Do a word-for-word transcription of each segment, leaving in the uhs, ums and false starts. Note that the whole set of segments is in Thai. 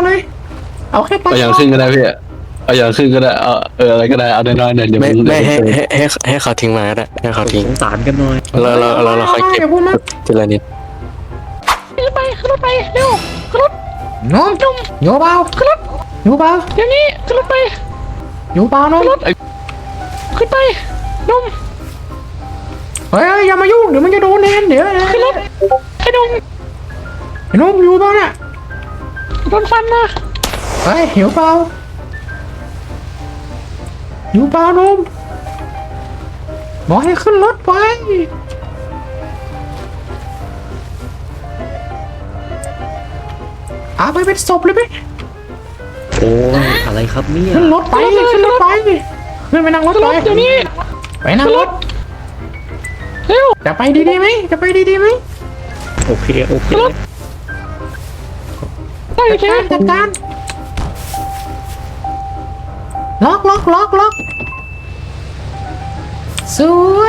เลยเอาแค่ปลาเอาอย่างขึ้นก็ได้พี่เอาอย่างขึ้นก็ได้เอาเอออะไรก็ได้เอาน้อยๆเนี่ยเดี๋ยวไม่มันไม่ให้ให้ให้ให้เขาทิ้งมาก็ได้ให้เขาทิ้งสงสารกันหน่อยเราเราเราเราค่อยเก็บอย่าพูดมากทีละนิดขึ้นไปขึ้นรถไปเร็วขึ้นรถน้องนุ่มอยู่เปล่าขึ้นรถอยู่เปล่าเดี๋ยวนี้ขึ้นรถไปอยู่เปล่าน้องขึ้นไปนุ่มเฮ้ยอย่ามายุ่งเดี๋ยวมันจะโดนแนนเดี๋ยวนะขึ้นรถไอ้นุ่มไอ้น้องอยู่เปล่าเนี่ยโดนฟันนะเฮ้ยหิวเปล่าอยู่เปล่าน้องบอกให้ขึ้นรถไปเอาไปเป็นศพเลยไหมโอ้ยอะไรครับเนี่ยขึ้นรถไปขึ้นรถไปขึ้นไปนั่งรถขึ้นไปรถเดี๋ยวนี้ไปนั่งรถเร็วจะไปดีๆไหมจะไปดีๆไหมโอเคโอเคได้ใช่ไหมจัดการล็อกล็อกล็อกล็อกสวย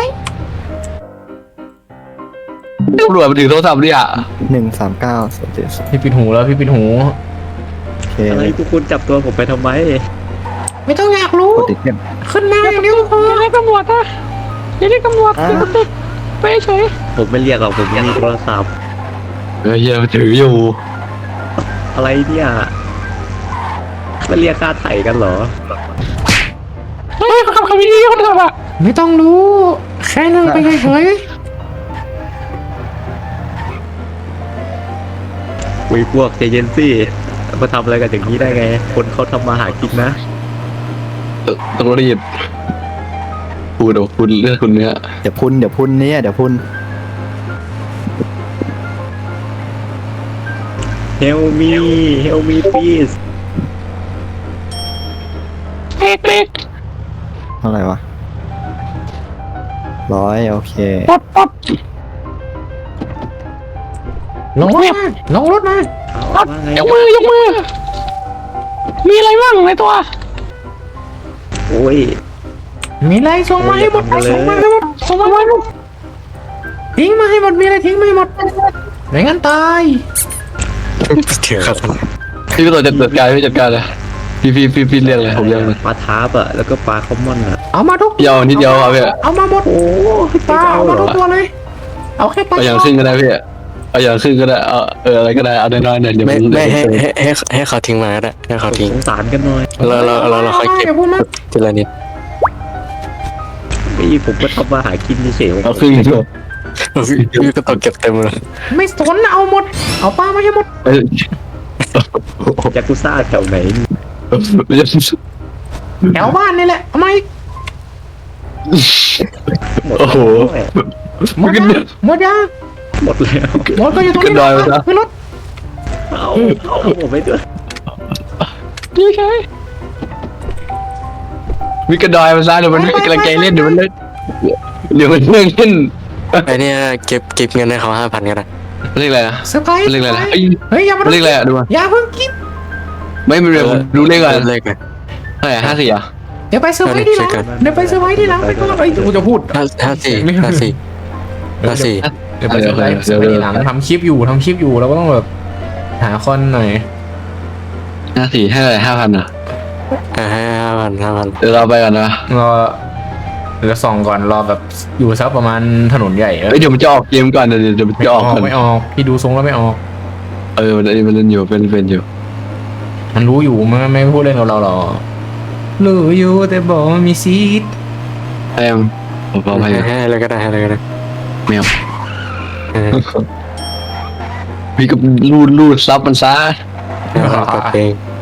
ตำรวจมาถือโทรศัพท์ดิอ่ะหนึ่งสามเก้าสองเจ็ดพี่ปิดหูแล้วพี่ปิดหูโอเคอะไรทุกคนจับตัวผมไปทำไมไม่ต้องอยากรู้กดติดเต็มขึ้นมาอย่างเดียวพออย่าเรียกตำรวจนะอย่าเรียกตำรวจติดติดไปเฉยผมไม่เรียกหรอกผมมีโทรศัพท์เออเฮียถืออยู่อะไรเนี่ยมาเรียกค่าไถ่กันเหรอเฮ้ยเขาขับขับดีๆคนขับอ่ะไม่ต้องรู้แค่นั่งไปเฉยวิพวกเจเยนซี่มาทำอะไรกันอย่างนี้ได้ไง คนเขาทำมาหากินนะเออต้องรีบพูดเอาคุณเรื่องคุณเนี้ยเดี๋ยวพุ่นเดี๋ยวพุ่นเนี่ยเดี๋ยวพุ่น Help me Help me please เบรกเบรกเท่าไหร่วะร้อยโอเคปลดปลดๆลงรถมาลงรถมาเอาว่าไงยกมือยกมือ มีอะไรบ้างในตัวโอ้ยมีอะไรส่งมาให้หมดอย่าทำกันเลยส่งมาให้หมดส่งมาไว้ลูกทิ้งมาให้หมดมีอะไรทิ้งมาให้หมดไม่งั้นตายถือครับพี่ก็ต้องจัดการพี่จัดการเลยพี่พี่พี่พี่เรียกเลยผมเรียกเลยปลาทาร์ปอะแล้วก็ปลาคอมมอนอะเอามาทุกเดียวนิดเดียวเอาพี่เอามาหมดโอ้ปลาเอามาทุกตัวเลย เอาแค่ปลาเอาอย่างขึ้นก็ได้พี่เอาอย่างขึ้นก็ได้เอาเอออะไรก็ได้เอาน้อยๆเนี่ยเดี๋ยวไม่มันไม่ให้ให้ให้ให้เขาทิ้งมาก็ได้ให้เขาทิ้งสงสารกันหน่อยเราเราเราเราค่อยเก็บอย่าพูดมากทีละนิดนี่ผมก็ทำมาหากินเฉยๆเอาขึ้นก็พี่ก็ต้องเก็บเต็มเลยไม่สนเอาหมด เอาปลามาให้หมดเออยากุซ่าแถวไหนแถวบ้านนี่แหละเอามาอีกหมดโอ้โหหมดยังหมดยังหมดแล้วหมดก็อยู่ตรงนี้ขึ้นดอยไปซะขึ้นรถเอาเอาผมไปด้วยดีใช่มีกระดอยมาซะเดี๋ยวมันไม่กำลังใจเล่นเดี๋ยวมันเล่นเดี๋ยวมันเล่นเล่นไอเนี่ยเก็บเก็บเงินให้เขาห้าพันก็ได้เรียกอะไรนะเซอร์ไพรส์เรียกอะไรนะเอ้ยเฮ้ยอย่ามาเรียกอะไรอะดูมาอย่าเพิ่งกินไม่เป็นไรผมดูเลขก่อนเลขเลยเท่าไหร่ห้าสี่อ่ะเดี๋ยวไปเซอร์ไพรส์ที่หลังเช็คกันเดี๋ยวไปเซอร์ไพรส์ที่หลังไปก่อนไอ้ยกูจะพูดห้าห้าสี่ห้าสี่ห้าสี่เดี๋ยวไปเซอร์ไพรส์เซอร์ไพรส์ที่หลังทำคลิปอยู่ทำคลิปอยู่เราก็ต้องแบบหาคอนหน่อยห้าสี่ให้อะไรห้าพันอ่ะห้าห้าพันห้าพันเดี๋ยวเราไปก่อนนะรอเดี๋ยวส่องก่อนรอแบบอยู่สักประมาณถนนใหญ่เออเอ้ยเดี๋ยวมันจะออกเกมก่อนเดี๋ยวเดี๋ยวมันไม่จะออออกกก่อนไม่ออกพี่ดูทรงแล้วไม่ออกเออมันมันเล่นอยู่เป็นเป็นอยู่มันรู้อยู่มันไม่พูดเล่นกับเราหรอกรู้อยู่แต่บอกว่ามีซีดแอมผมเอาไปให้ให้เลยก็ได้ให้เลยก็ได้แมวเออพี่ก็รูดรูดซับมันซะให้เขากดเองเ